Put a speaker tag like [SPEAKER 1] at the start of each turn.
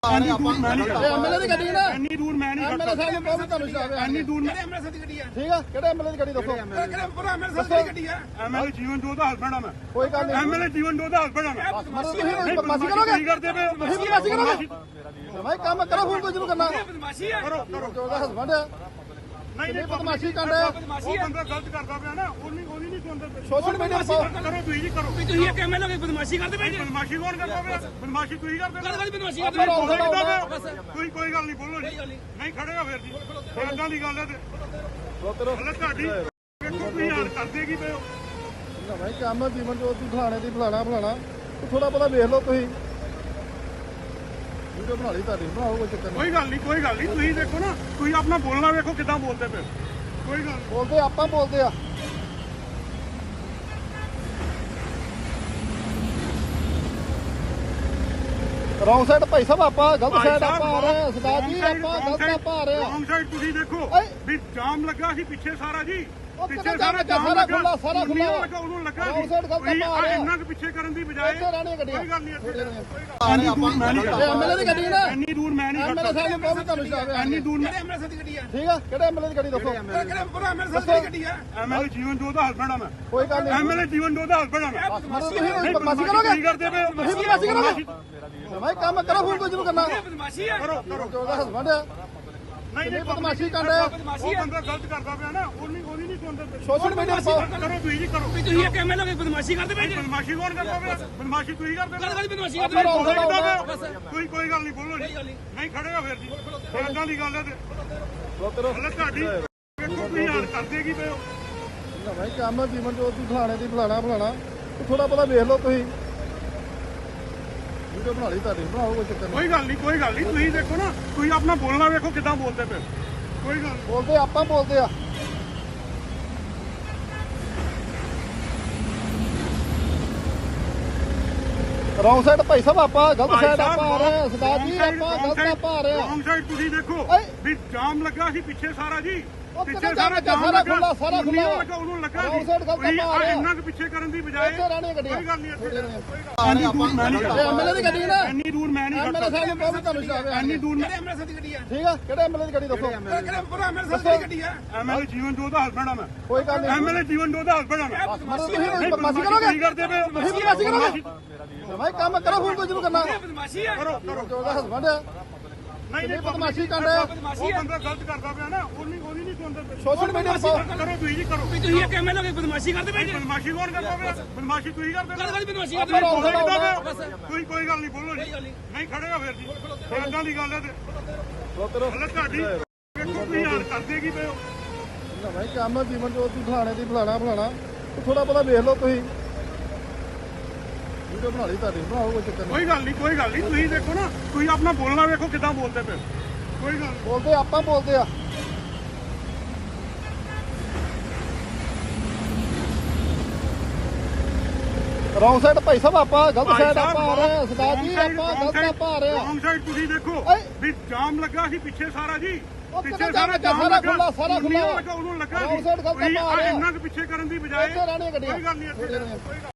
[SPEAKER 1] ਐਨੀ ਦੂਰ ਮੈਂ ਨਹੀਂ ਖੜਾ।
[SPEAKER 2] ਐਮਐਲਏ ਦੀ ਗੱਡੀ ਨਾ
[SPEAKER 1] ਐਨੀ ਦੂਰ ਮੈਂ ਨਹੀਂ
[SPEAKER 2] ਐਮਐਲਏ ਸਾਹਿਬ ਨੂੰ ਬਹੁਤ ਤੁਹਾਨੂੰ ਸ਼ਰਾਬ ਹੈ।
[SPEAKER 1] ਐਨੀ ਦੂਰ
[SPEAKER 3] ਕਿਹੜੇ ਐਮਐਲਏ ਦੀ ਗੱਡੀ ਆ?
[SPEAKER 2] ਠੀਕ ਆ, ਕਿਹੜੇ ਐਮਐਲਏ ਦੀ ਗੱਡੀ ਦੱਸੋ?
[SPEAKER 3] ਕਿਹੜੇ ਪੂਰਾ ਐਮਐਲਏ ਦੀ ਗੱਡੀ ਆ?
[SPEAKER 1] ਐਮਐਲਏ ਜੀਵਨ ਜੋਤ ਦਾ ਹਸਬੈਂਡ ਆ ਮੈਂ।
[SPEAKER 2] ਕੋਈ ਗੱਲ ਨਹੀਂ।
[SPEAKER 1] ਐਮਐਲਏ ਜੀਵਨ ਜੋਤ ਦਾ ਹਸਬੈਂਡ ਆ ਮੈਂ।
[SPEAKER 2] ਤੁਸੀਂ ਬਦਮਾਸ਼ੀ ਕਰੋਗੇ?
[SPEAKER 1] ਕੀ ਕਰਦੇ ਪਏ?
[SPEAKER 2] ਤੁਸੀਂ ਬਦਮਾਸ਼ੀ ਕਰੋਗੇ? ਭਾਈ ਕੰਮ ਕਰੋ, ਫੋਨ ਕੋਈ ਜਿਹਨੂੰ ਕਰਨਾ।
[SPEAKER 3] ਬਦਮਾਸ਼ੀ ਆ।
[SPEAKER 1] ਕਰੋ ਕਰੋ।
[SPEAKER 2] ਉਹਦਾ ਹਸਬੰਡ ਆ।
[SPEAKER 1] ਨਹੀਂ ਨਹੀਂ
[SPEAKER 2] ਬਦਮਾਸ਼ੀ ਕਰ ਰਿਹਾ।
[SPEAKER 1] ਉਹ ਬੰਦਾ ਗਲਤ ਕਰਦਾ ਪਿਆ ਨਾ, ਉਹਦੀ ਨਹੀਂ ਸੁਣਦੇ ਪਏ।
[SPEAKER 2] ਸੋਸ਼ਲ ਮੀਡੀਆ ਤੇ ਪਾਓ।
[SPEAKER 1] ਕਰੋ ਤੁਸੀਂ ਜੀ ਕਰੋ।
[SPEAKER 3] ਤੁਸੀਂ ਇੱਕ ਐਮਐਲਏ ਦੀ ਬਦਮਾਸ਼ੀ ਕਰਦੇ ਪਏ ਜੀ।
[SPEAKER 1] ਬਦਮਾਸ਼ੀ ਕੌਣ ਕਰਦਾ ਪਿਆ? ਬਦਮਾਸ਼ੀ ਤੁਸੀਂ ਕਰਦੇ ਪਏ।
[SPEAKER 3] ਕਾਹਦੀ ਬਦਮਾਸ਼ੀ
[SPEAKER 2] ਆਪਾਂ
[SPEAKER 3] ਕਰਦੇ
[SPEAKER 2] ਰੌਂਗ
[SPEAKER 3] ਪਏ?
[SPEAKER 2] ਸਾਈਡ ਆਉਂਦਾ।
[SPEAKER 1] ਤੁਸੀਂ ਕੋਈ ਗੱਲ ਨਹੀਂ ਬੋਲੋ ਜੀ। ਨਹੀਂ ਖੜੇ ਹੋ ਫਿਰ ਜੀ। ਇਦਾਂ ਦੀ ਗੱਲ ਹੈ ਤੇ
[SPEAKER 2] ਰੋਕੋ
[SPEAKER 1] ਹਲੇ ਤੁਹਾਡੀ ਵੇਖੋ ਤੁਸੀਂ ਹਾਲ ਕਰਦੇ ਕੀ ਪਏ ਹੋ।
[SPEAKER 2] ਨਾ ਭਾਈ ਕੰਮ ਜੀਵਨ ਜੋਤ ਦੀ ਫਲਾਣੇ ਦੀ ਫਲਾਣਾ ਥੋੜਾ ਬਹੁਤਾ ਵੇਖ ਲਓ ਤੁਸੀਂ। ਵੀਡੀਓ ਬਣਾ ਲਈ ਤੁਹਾਡੀ, ਬਣਾਓ ਕੋਈ ਚੱਕਰ ਨਹੀਂ।
[SPEAKER 1] ਕੋਈ ਗੱਲ ਨਹੀਂ ਤੁਸੀਂ ਦੇਖੋ ਨਾ, ਤੁਸੀਂ ਆਪਣਾ ਬੋਲਣਾ ਵੇਖੋ ਕਿੱਦਾਂ ਬੋਲਦੇ ਪਏ। ਕੋਈ ਗੱਲ ਨਹੀਂ।
[SPEAKER 2] ਬੋਲਦੇ ਆਪਾਂ ਬੋਲਦੇ ਆ। ਰੌਂਗ ਸਾਈਡ ਭਾਈ ਸਾਹਿਬ, ਆਪਾਂ ਗਲਤ ਸਾਈਡ ਆਪਾਂ ਆ ਰਹੇ ਹਾਂ। ਸਰਦਾਰ ਜੀ ਆਪਾਂ ਗਲਤ ਆਪਾਂ ਆ ਰਹੇ ਹਾਂ।
[SPEAKER 1] ਰੌਂਗ ਸਾਈਡ ਤੁਸੀਂ ਦੇਖੋ
[SPEAKER 2] ਓਏ।
[SPEAKER 1] ਵੀ ਜਾਮ ਲੱਗਾ ਸੀ ਪਿੱਛੇ ਸਾਰਾ ਜੀ।
[SPEAKER 2] ਉਹ
[SPEAKER 1] ਪਿੱਛੇ
[SPEAKER 2] ਕਿੱਥੇ
[SPEAKER 1] ਸਾਰਾ
[SPEAKER 2] ਜਾਮ
[SPEAKER 1] ਜਾਮ
[SPEAKER 2] ਲੱਗਾ?
[SPEAKER 1] ਲੱਗਾ,
[SPEAKER 2] ਸਾਰਾ ਖੁੱਲਾ।
[SPEAKER 1] ਉਹਨੂੰ ਲੱਗਾ
[SPEAKER 2] ਰੌਂਗ
[SPEAKER 1] ਸੀ।
[SPEAKER 2] ਸਾਈਡ ਗਲਤ
[SPEAKER 1] ਤੁਸੀਂ
[SPEAKER 2] ਆਪਾਂ ਆ ਰਹੇ ਹਾਂ।
[SPEAKER 1] ਇੰਨਾ ਕੁ ਪਿੱਛੇ ਕਰਨ ਦੀ ਬਜਾਏ
[SPEAKER 2] ਇੱਥੇ ਰਹਿਣੀਆਂ ਗੱਡੀਆਂ।
[SPEAKER 1] ਕੋਈ ਗੱਲ ਨਹੀਂ ਇੱਥੇ
[SPEAKER 2] ਐਨੀ
[SPEAKER 1] ਦੂਰ ਮੈਂ ਨਹੀਂ ਖੜਾ।
[SPEAKER 2] ਐਮਐਲਏ ਦੀ ਗੱਡੀ ਨਾ
[SPEAKER 1] ਇੰਨੀ ਦੂਰ ਮੈਂ ਨਹੀਂ
[SPEAKER 2] ਐਮਐਲਏ ਸਾਹਿਬ ਨੂੰ ਬਹੁਤ ਤੁਹਾਨੂੰ ਸ਼ਰਾਬ ਹੈ।
[SPEAKER 1] ਇੰਨੀ ਦੂਰ
[SPEAKER 3] ਕਿਹੜੇ ਐਮਐਲਏ ਦੀ ਗੱਡੀ ਆ?
[SPEAKER 2] ਠੀਕ ਆ, ਕਿਹੜੇ ਐਮਐਲਏ ਦੀ ਗੱਡੀ ਦੱਸੋ?
[SPEAKER 3] ਕਿਹੜੇ ਪੂਰਾ ਐਮਐਲਏ ਦੀ ਗੱਡੀ ਆ?
[SPEAKER 1] ਐਮਐਲਏ ਜੀਵਨ ਜੋਤ ਦਾ ਹਸਬੈਂਡ ਆ ਮੈਂ।
[SPEAKER 2] ਕੋਈ ਗੱਲ ਨਹੀਂ।
[SPEAKER 1] ਐਮਐਲਏ ਜੀਵਨ ਜੋਤ ਦਾ ਹਸਬੈਂਡ ਆ ਮੈਂ।
[SPEAKER 2] ਤੁਸੀਂ ਬਦਮਾਸ਼ੀ ਕਰੋਗੇ?
[SPEAKER 1] ਕੀ ਕਰਦੇ ਪਏ?
[SPEAKER 2] ਤੁਸੀਂ ਬਦਮਾਸ਼ੀ ਕਰੋਗੇ? ਭਾਈ ਕੰਮ ਕਰੋ, ਫੋਨ ਕੋਈ ਜਿਹਨੂੰ ਕਰਨਾ।
[SPEAKER 3] ਬਦਮਾਸ਼ੀ ਆ।
[SPEAKER 1] ਕਰੋ ਕਰੋ।
[SPEAKER 2] ਉਹਦਾ ਹਸਬੰਡ ਆ।
[SPEAKER 1] ਨਹੀਂ ਨਹੀਂ
[SPEAKER 2] ਬਦਮਾਸ਼ੀ ਕਰ ਰਿਹਾ।
[SPEAKER 1] ਉਹ ਬੰਦਾ ਗਲਤ ਕਰਦਾ ਪਿਆ ਨਾ, ਉਹਦੀ ਨਹੀਂ ਸੁਣਦੇ ਪਏ।
[SPEAKER 2] ਸੋਸ਼ਲ ਮੀਡੀਆ ਤੇ ਪਾਓ।
[SPEAKER 1] ਕਰੋ ਤੁਸੀਂ ਜੀ ਕਰੋ।
[SPEAKER 3] ਤੁਸੀਂ ਇੱਕ ਐਮਐਲਏ ਦੀ ਬਦਮਾਸ਼ੀ ਕਰਦੇ ਪਏ ਜੀ।
[SPEAKER 1] ਬਦਮਾਸ਼ੀ ਕੌਣ ਕਰਦਾ ਪਿਆ? ਬਦਮਾਸ਼ੀ ਤੁਸੀਂ ਕਰਦੇ ਪਏ।
[SPEAKER 3] ਕਾਹਦੀ ਬਦਮਾਸ਼ੀ
[SPEAKER 2] ਆਪਾਂ
[SPEAKER 3] ਕਰਦੇ
[SPEAKER 2] ਰੌਂਗ
[SPEAKER 3] ਪਏ?
[SPEAKER 2] ਸਾਈਡ ਆਉਂਦਾ।
[SPEAKER 1] ਤੁਸੀਂ ਕੋਈ ਗੱਲ ਨਹੀਂ ਬੋਲੋ ਜੀ। ਨਹੀਂ ਖੜੇ ਹੋ ਫਿਰ ਜੀ। ਇਦਾਂ ਦੀ ਗੱਲ ਹੈ ਤੇ
[SPEAKER 2] ਰੋਕੋ
[SPEAKER 1] ਹਲੇ ਤੁਹਾਡੀ ਵੇਖੋ ਤੁਸੀਂ ਹਾਲ ਕਰਦੇ ਕੀ ਪਏ ਹੋ।
[SPEAKER 2] ਨਾ ਭਾਈ ਕੰਮ ਜੀਵਨ ਜੋਤ ਦੀ ਫਲਾਣੇ ਦੀ ਫਲਾਣਾ ਥੋੜਾ ਬਹੁਤਾ ਵੇਖ ਲਓ ਤੁਸੀਂ। ਵੀਡੀਓ ਬਣਾ ਲਈ ਤੁਹਾਡੀ, ਬਣਾਓ ਕੋਈ ਚੱਕਰ ਨਹੀਂ।
[SPEAKER 1] ਕੋਈ ਗੱਲ ਨਹੀਂ ਤੁਸੀਂ ਦੇਖੋ ਨਾ, ਤੁਸੀਂ ਆਪਣਾ ਬੋਲਣਾ ਵੇਖੋ ਕਿੱਦਾਂ ਬੋਲਦੇ ਪਏ। ਕੋਈ ਗੱਲ ਨਹੀਂ।
[SPEAKER 2] ਬੋਲਦੇ ਆਪਾਂ ਬੋਲਦੇ ਆ। ਰੌਂਗ ਸਾਈਡ ਭਾਈ ਸਾਹਿਬ, ਆਪਾਂ ਗਲਤ ਸਾਈਡ ਆਪਾਂ ਆ ਰਹੇ ਹਾਂ। ਸਰਦਾਰ ਜੀ ਆਪਾਂ ਗਲਤ ਆਪਾਂ ਆ ਰਹੇ ਹਾਂ।
[SPEAKER 1] ਰੌਂਗ ਸਾਈਡ ਤੁਸੀਂ ਦੇਖੋ
[SPEAKER 2] ਓਏ।
[SPEAKER 1] ਵੀ ਜਾਮ ਲੱਗਾ ਸੀ ਪਿੱਛੇ ਸਾਰਾ ਜੀ।
[SPEAKER 2] ਉਹ
[SPEAKER 1] ਪਿੱਛੇ
[SPEAKER 2] ਕਿੱਥੇ
[SPEAKER 1] ਸਾਰਾ
[SPEAKER 2] ਜਾਮ
[SPEAKER 1] ਜਾਮ
[SPEAKER 2] ਲੱਗਾ?
[SPEAKER 1] ਲੱਗਾ,
[SPEAKER 2] ਸਾਰਾ ਖੁੱਲਾ।
[SPEAKER 1] ਉਹਨੂੰ ਲੱਗਾ
[SPEAKER 2] ਰੌਂਗ
[SPEAKER 1] ਸੀ।
[SPEAKER 2] ਸਾਈਡ ਗਲਤ
[SPEAKER 1] ਤੁਸੀਂ
[SPEAKER 2] ਆਪਾਂ ਆ ਰਹੇ ਹਾਂ।
[SPEAKER 1] ਇੰਨਾ ਕੁ ਪਿੱਛੇ ਕਰਨ ਦੀ ਬਜਾਏ
[SPEAKER 2] ਇੱਥੇ ਰਹਿਣੀਆਂ ਗੱਡੀਆਂ।
[SPEAKER 1] ਕੋਈ ਗੱਲ ਨਹੀਂ ਇੱਥੇ
[SPEAKER 2] ਐਨੀ
[SPEAKER 1] ਦੂਰ ਮੈਂ ਨਹੀਂ ਖੜਾ।
[SPEAKER 2] ਐਮਐਲਏ ਦੀ ਗੱਡੀ ਨਾ
[SPEAKER 1] ਇੰਨੀ ਦੂਰ ਮੈਂ ਨਹੀਂ
[SPEAKER 2] ਐਮਐਲਏ ਸਾਹਿਬ ਨੂੰ ਬਹੁਤ ਤੁਹਾਨੂੰ ਸ਼ਰਾਬ ਹੈ।
[SPEAKER 1] ਇੰਨੀ ਦੂਰ
[SPEAKER 3] ਕਿਹੜੇ ਐਮਐਲਏ ਦੀ ਗੱਡੀ ਆ?
[SPEAKER 2] ਠੀਕ ਆ, ਕਿਹੜੇ ਐਮਐਲਏ ਦੀ ਗੱਡੀ ਦੱਸੋ?
[SPEAKER 3] ਕਿਹੜੇ ਪੂਰਾ ਐਮਐਲਏ ਦੀ ਗੱਡੀ ਆ?
[SPEAKER 1] ਐਮਐਲਏ ਜੀਵਨ ਜੋਤ ਦਾ ਹਸਬੈਂਡ ਆ ਮੈਂ।
[SPEAKER 2] ਕੋਈ ਗੱਲ ਨਹੀਂ।
[SPEAKER 1] ਐਮਐਲਏ ਜੀਵਨ ਜੋਤ ਦਾ ਹਸਬੈਂਡ ਆ ਮੈਂ।
[SPEAKER 2] ਤੁਸੀਂ ਬਦਮਾਸ਼ੀ ਕਰੋਗੇ?
[SPEAKER 1] ਕੀ ਕਰਦੇ ਪਏ?
[SPEAKER 2] ਤੁਸੀਂ ਬਦਮਾਸ਼ੀ ਕਰੋਗੇ? ਭਾਈ ਕੰਮ ਕਰੋ, ਫੋਨ ਕੋਈ ਜਿਹਨੂੰ ਕਰਨਾ।
[SPEAKER 3] ਬਦਮਾਸ਼ੀ ਆ।
[SPEAKER 1] ਕਰੋ ਕਰੋ।
[SPEAKER 2] ਉਹਦਾ ਹਸਬੰਡ ਆ।
[SPEAKER 1] ਨਹੀਂ ਨਹੀਂ
[SPEAKER 2] ਬਦਮਾਸ਼ੀ ਕਰ ਰਿਹਾ।
[SPEAKER 1] ਉਹ ਬੰਦਾ ਗਲਤ ਕਰਦਾ ਪਿਆ ਨਾ, ਉਹਦੀ ਨਹੀਂ ਸੁਣਦੇ ਪਏ।
[SPEAKER 2] ਸੋਸ਼ਲ ਮੀਡੀਆ ਤੇ ਪਾਓ।
[SPEAKER 1] ਕਰੋ ਤੁਸੀਂ ਜੀ ਕਰੋ।
[SPEAKER 3] ਤੁਸੀਂ ਇੱਕ ਐਮਐਲਏ ਦੀ ਬਦਮਾਸ਼ੀ ਕਰਦੇ ਪਏ ਜੀ।
[SPEAKER 1] ਬਦਮਾਸ਼ੀ ਕੌਣ ਕਰਦਾ ਪਿਆ? ਬਦਮਾਸ਼ੀ ਤੁਸੀਂ ਕਰਦੇ ਪਏ।
[SPEAKER 3] ਕਾਹਦੀ ਬਦਮਾਸ਼ੀ
[SPEAKER 2] ਆਪਾਂ
[SPEAKER 3] ਕਰਦੇ
[SPEAKER 2] ਰੌਂਗ
[SPEAKER 3] ਪਏ?
[SPEAKER 2] ਸਾਈਡ ਆਉਂਦਾ।
[SPEAKER 1] ਕੋਈ ਗੱਲ ਨਹੀਂ ਬੋਲੋ ਜੀ। ਨਹੀਂ ਖੜੇ ਹੋ ਫਿਰ ਜੀ। ਇਦਾਂ ਦੀ ਗੱਲ ਹੈ ਤੇ
[SPEAKER 2] ਰੋਕੋ
[SPEAKER 1] ਹਲੇ ਤੁਹਾਡੀ ਵੇਖੋ ਤੁਸੀਂ ਹਾਲ ਕਰਦੇ ਕੀ ਪਏ ਹੋ।
[SPEAKER 2] ਨਾ ਭਾਈ ਕੰਮ ਜੀਵਨ ਜੋਤ ਦੀ ਫਲਾਣੇ ਦੀ ਫਲਾਣਾ ਥੋੜਾ ਬਹੁਤਾ ਵੇਖ ਲਓ ਤੁਸੀਂ। ਵੀਡੀਓ ਬਣਾ ਲਈ ਤੁਹਾਡੀ, ਬਣਾਓ ਕੋਈ ਚੱਕਰ ਨਹੀਂ।
[SPEAKER 1] ਕੋਈ ਗੱਲ ਨਹੀਂ ਤੁਸੀਂ ਦੇਖੋ ਨਾ, ਤੁਸੀਂ ਆਪਣਾ ਬੋਲਣਾ ਵੇਖੋ ਕਿੱਦਾਂ ਬੋਲਦੇ ਪਏ। ਕੋਈ ਗੱਲ ਨਹੀਂ।
[SPEAKER 2] ਬੋਲਦੇ ਆਪਾਂ ਬੋਲਦੇ ਆ। ਰੌਂਗ ਸਾਈਡ ਭਾਈ ਸਾਹਿਬ, ਆਪਾਂ ਗਲਤ ਸਾਈਡ ਆਪਾਂ ਆ ਰਹੇ ਹਾਂ। ਸਰਦਾਰ ਜੀ ਆਪਾਂ ਗਲਤ ਆਪਾਂ ਆ ਰਹੇ ਹਾਂ।
[SPEAKER 1] ਰੌਂਗ ਸਾਈਡ ਤੁਸੀਂ ਦੇਖੋ
[SPEAKER 2] ਓਏ।
[SPEAKER 1] ਵੀ ਜਾਮ ਲੱਗਾ ਸੀ ਪਿੱਛੇ ਸਾਰਾ ਜੀ।
[SPEAKER 2] ਉਹ
[SPEAKER 1] ਪਿੱਛੇ
[SPEAKER 2] ਕਿੱਥੇ
[SPEAKER 1] ਸਾਰਾ
[SPEAKER 2] ਜਾਮ
[SPEAKER 1] ਜਾਮ
[SPEAKER 2] ਲੱਗਾ?
[SPEAKER 1] ਲੱਗਾ,
[SPEAKER 2] ਸਾਰਾ ਖੁੱਲਾ।
[SPEAKER 1] ਉਹਨੂੰ ਲੱਗਾ
[SPEAKER 2] ਰੌਂਗ
[SPEAKER 1] ਸੀ।
[SPEAKER 2] ਸਾਈਡ ਗਲਤ
[SPEAKER 1] ਤੁਸੀਂ
[SPEAKER 2] ਆਪਾਂ ਆ ਰਹੇ ਹਾਂ।
[SPEAKER 1] ਇੰਨਾ ਕੁ ਪਿੱਛੇ ਕਰਨ ਦੀ ਬਜਾਏ
[SPEAKER 2] ਇੱਥੇ ਰਹਿਣੀਆਂ ਗੱਡੀਆਂ।
[SPEAKER 1] ਕੋਈ ਗੱਲ ਨਹੀਂ ਇੱਥੇ